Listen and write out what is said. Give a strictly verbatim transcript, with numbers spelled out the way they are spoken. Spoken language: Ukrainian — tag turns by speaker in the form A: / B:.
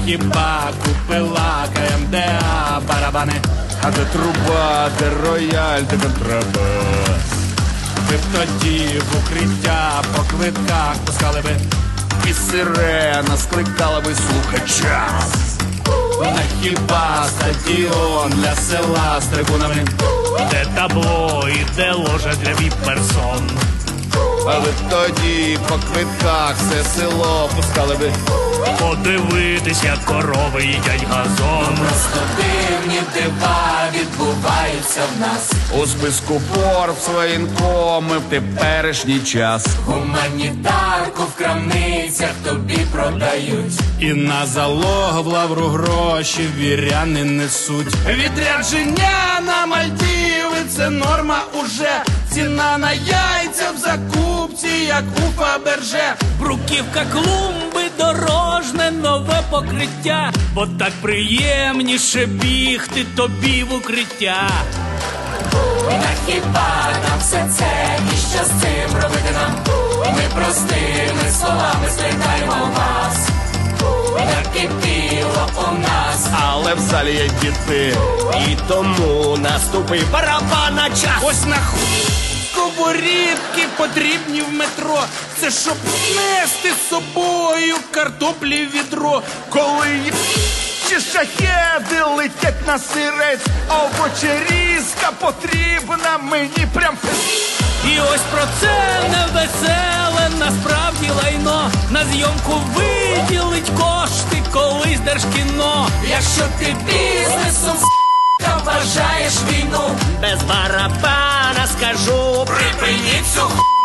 A: хіба купила КМДА барабани?
B: А де труба, де рояль, де контрабас?
A: Ви б тоді в укриття по квитках пускали би,
B: І сирена скликала би слухача.
A: на хіба стадіон для села з трибунами, де табло і де ложа для віп-персон.
B: Але тоді по квитках все село пускали би
A: Подивитись, як корови їдять газон.
C: Просто дивні дива відбуваються в нас.
B: у списку Forbes воєнкоми в теперішній час.
C: Гуманітарку в крамницях тобі продають.
A: І на залог в лавру гроші віряни несуть. Відрядження на Мальдіви – це норма уже. Ціна на яйця в закупці, як у Фаберже. Бруківка клумби, дорожне нове покриття, бо так приємніше бігти тобі в укриття.
C: На хіба нам все це, і що з цим робити нам? Ми простими словами скликаємо вас. Накипіло у нас,
B: Але в залі є діти, і тому наступив барабана час.
A: Ось на ху... сковорідки потрібні в метро. Це щоб нести з собою картоплі в відро.
B: Коли є чи шахеди летять на сирець, а овочерізка потрібна мені прям.
A: І ось про це невеселе насправді лайно. На зйомку виділить кошти колись Держкіно.
C: якщо ти бізнесом с**ка вважаєш війну,
A: Без барабана скажу,
C: припиніть цю ху...